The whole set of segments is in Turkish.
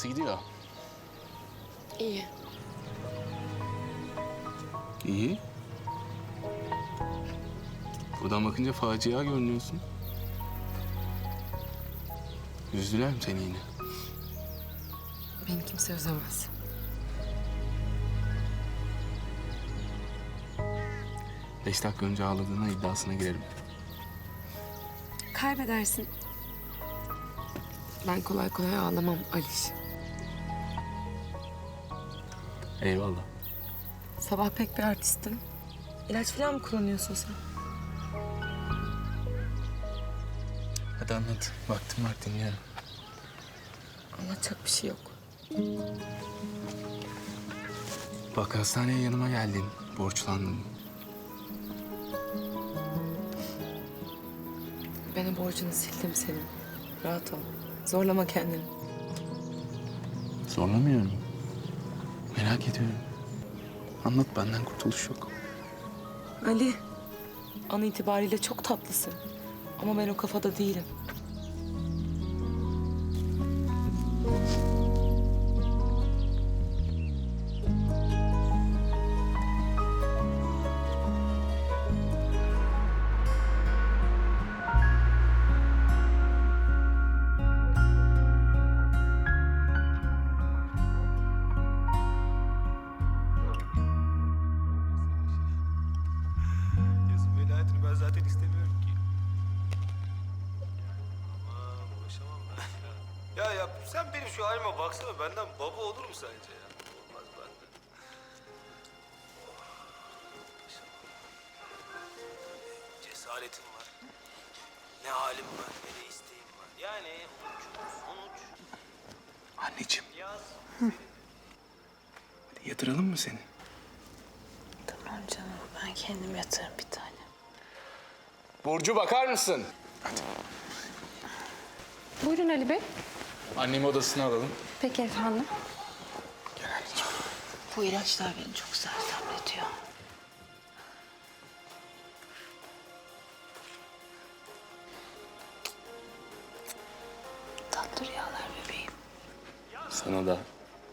Nasıl gidiyor? İyi. İyi. Buradan bakınca facia görünüyorsun. Üzdüler mi seni yine? Beni kimse üzemez. Beş dakika önce ağladığına iddiasına girerim. Kaybedersin. Ben kolay kolay ağlamam Aliş. Eyvallah. Sabah pek bir artistin. İlaç falan mı kullanıyorsun sen? Hadi anlat. Vaktim var, dinliyorum. Anlatacak bir şey yok. Bak hastaneye yanıma geldin. Borçlandın. Ben o borcunu sildim senin. Rahat ol. Zorlama kendini. Zorlamıyorum. Merak ediyorum. Anlat, benden kurtuluş yok. Ali, an itibariyle çok tatlısın. Ama ben o kafada değilim. Yazın velayetini ben zaten istemiyorum ki. Aman uğraşamam ben ya. Ya sen benim şu halime baksana, benden baba olur mu sence ya? Olmaz benden. Uğraşamam. Cesaretim var. Ne halim var ne de isteğim var. Yani sonuç. Anneciğim, Yaz. hadi yatıralım mı seni? Tamam canım, ben kendim yatarım bir tane. Burcu, bakar mısın? Buyurun Ali Bey. Annemi odasına alalım. Peki efendim. Bu ilaçlar beni çok sersemletiyor. Tatlı rüyalar bebeğim. Sana da.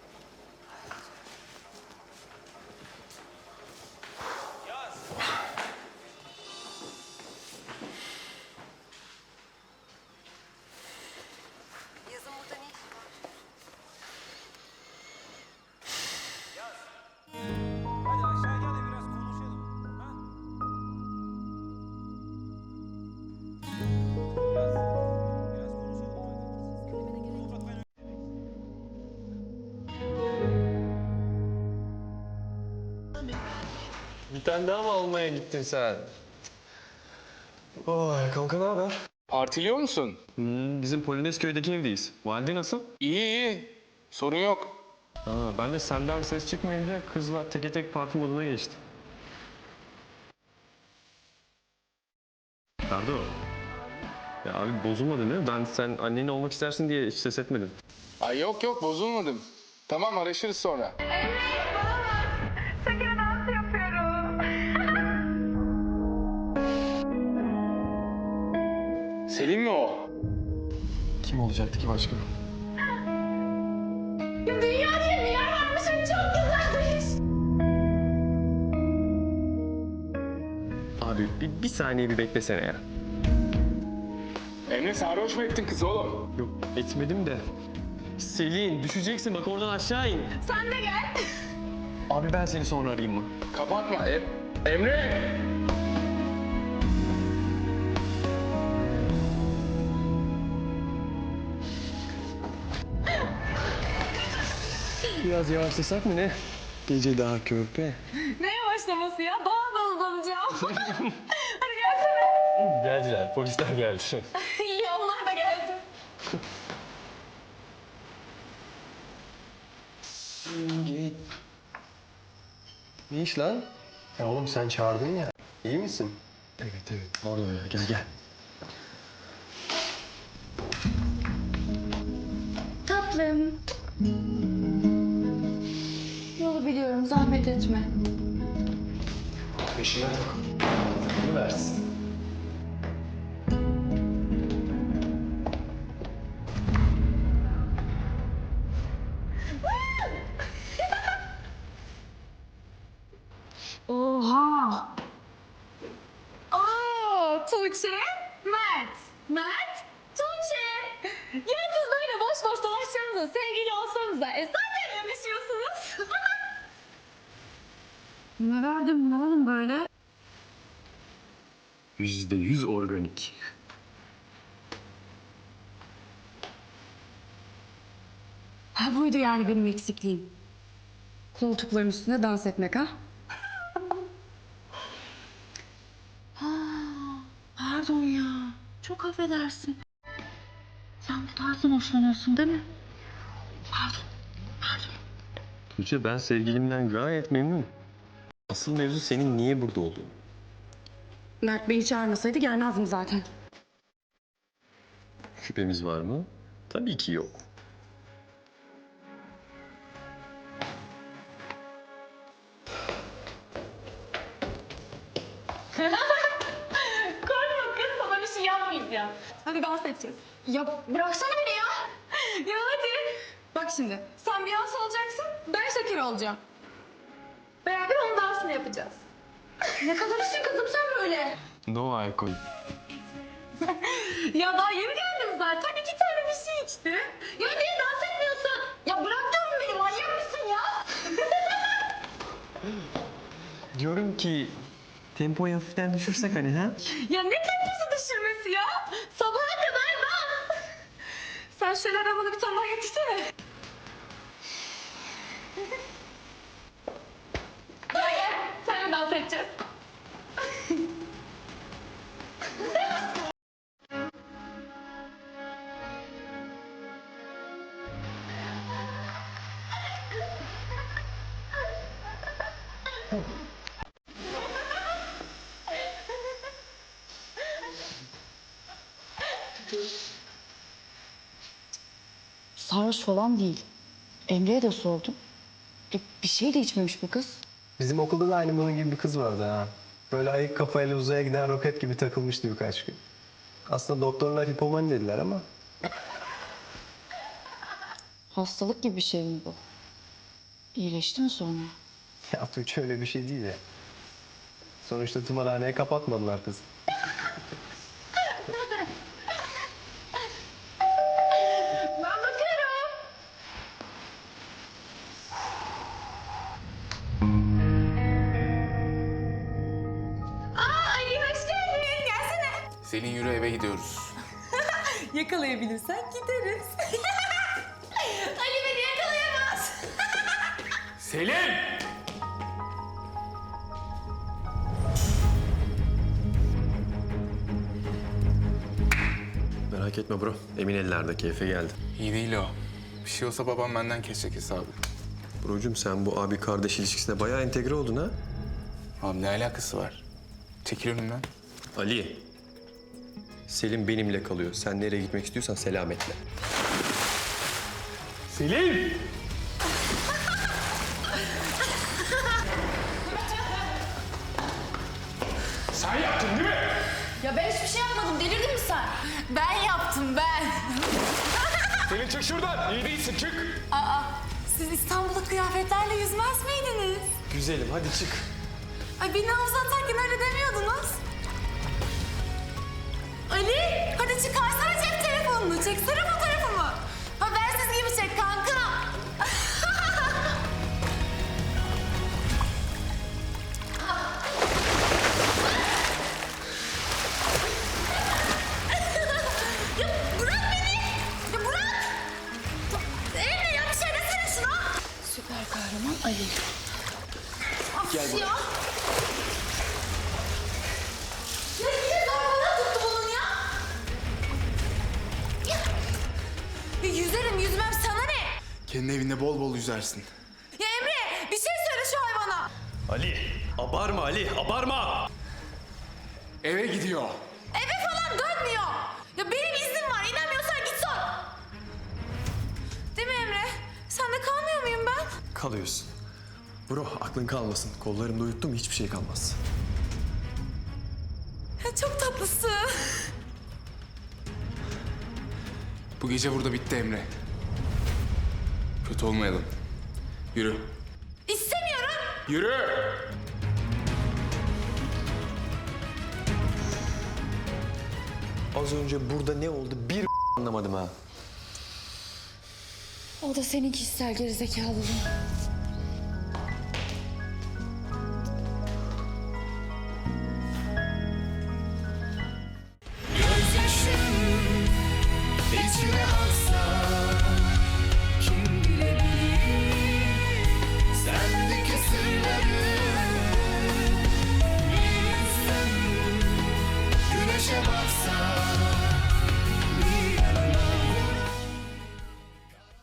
Yazın burada ne işin var? Hadi aşağı gel de biraz konuşalım. Ha? Yaz. Biraz konuşalım hadi. Bir tane daha mı almaya gittin sen? Oy kanka ne haber? Partiliyor musun? Bizim Polonezköy'deki evdeyiz. Valide nasıl? İyi iyi. Sorun yok. Ben de senden ses çıkmayınca kızla teke tek parti moduna geçtim. Ferdo. Ya abi bozulmadın değil mi? Ben sen annen olmak istersin diye hiç ses etmedim. Ay yok yok, bozulmadım. Tamam, araşırız sonra. Selin mi o? Kim olacaktı ki başka? Dünya diye bir yer varmış. Çok güzelmiş. Abi bir saniye bir beklesene ya. Emre, sarhoş mu ettin kızı oğlum? Yok etmedim de. Selin düşeceksin bak oradan aşağı in. Sen de gel. Abi ben seni sonra arayayım mı? Kapatma. Emre! Biraz yavaşlasak mı ne? Gece daha körpe. Ne yavaşlaması ya? Daha da hızlanacağım. Hadi gelsene. Geldiler, polisler geldi. İyi, onlar da geldi. Ne iş lan? Ya oğlum sen çağırdın ya. İyi misin? Evet evet. Orada ya. Gel gel. Tatlım. Yolu biliyorum, zahmet etme. Peşine tak. Bunu versin. Tuğçe, Mert. Mert, Tuğçe. Ya siz böyle boş boş dolaşsanıza, sevgili olsanıza. Zaten yanışıyorsunuz. Ne verdim ne oğlum böyle? %100 organik. Ha buydu yani benim eksikliğim. Koltukların üstünde dans etmek ha? Ha, pardon ya. Çok affedersin. Sen bu tarzdan hoşlanıyorsun değil mi? Tuğçe, ben sevgilimden gayet memnunum. Asıl mevzu senin niye burada olduğun. Mert Bey'i çağırmasaydı gelmezdim zaten. Şüphemiz var mı? Tabii ki yok. Korkma kız, sana bir şey yapmayacağım. Hadi dans edeceğiz. Ya bıraksana beni ya. Ya hadi. Bak şimdi sen Beyoncé olacaksın, ben Shakira olacağım. Beraber onun dansını yapacağız. Ne kadar işin kızım sen böyle. No alkol. Ya daha yeni geldim zaten. 2 tane bir şey içti. Ya niye dans etmiyorsun? Ya bırak diyorum beni, manyak mısın ya? Diyorum ki tempoyu hafiften düşürsek hani ha? Ya ne temposu düşürmesi ya? Sabaha kadar dans. Sen şöyle arabana bir tane daha getirsene. Gel gel. Seninle dans edeceğiz. Sarhoş falan değil. Emre'ye de sordum. Bir şey de içmemiş bu kız. Bizim okulda da aynı bunun gibi bir kız vardı ha. Böyle ayık kafayla uzaya giden roket gibi takılmıştı birkaç gün. Aslında doktorlar hipomani dediler ama Hastalık gibi bir şey mi bu? İyileşti mi sonra? ya Tuğçe öyle bir şey değil ya. Sonuçta tımarhaneye kapatmadılar kızı. Ben bakarım. Aa Ali hoş geldin. Gelsene. Selin yürü eve gidiyoruz. Yakalayabilirsen gideriz. Ali beni yakalayamaz. Selin! Merak etme bro. Emin ellerde, keyfe geldi. İyi değil o. Bir şey olsa babam benden kesecek hesabı. Brocum, sen bu abi kardeş ilişkisine bayağı entegre oldun ha. Abi ne alakası var? Çekil önümden. Ali. Selim benimle kalıyor. Sen nereye gitmek istiyorsan selametle. Selim! Sen yaptın değil mi? Ya ben hiçbir şey yapmadım. Delirdin mi sen? Ben yaptım ben. Selin çık şuradan. İyi değilsin çık. Aa siz İstanbul'da kıyafetlerle yüzmez miydiniz? Güzelim, hadi çık. Ay beni havuza atarken öyle demiyordunuz. Ali hadi çıkarsana cep telefonunu. Çeksene fotoğrafımı. Habersiz gibi çek kanka. Ya bırak beni. Ya bırak. Emre ya bir şey desene şuna. Süper kahraman Ali. Gel buraya. Ya yine zorbalığa tuttu bunun ya. Ya yüzerim yüzmem sana ne? Kendi evinde bol bol yüzersin. Ya Emre bir şey söyle şu hayvana. Ali, abarma Ali, abarma! Eve gidiyor. Eve falan dönmüyor. Ya benim iznim var. İnanmıyorsan git sor. Değil mi Emre? Sen de kalmıyor muyum ben? Kalıyorsun. Bro, aklın kalmasın. Kollarımda uyuttum, hiçbir şey kalmaz. Ya çok tatlısın. Bu gece burada bitti Emre. Kötü olmayalım. Yürü. İstemiyorum. Yürü! Az önce burada ne oldu bir anlamadım ha. O da senin kişisel gerizekalılığın.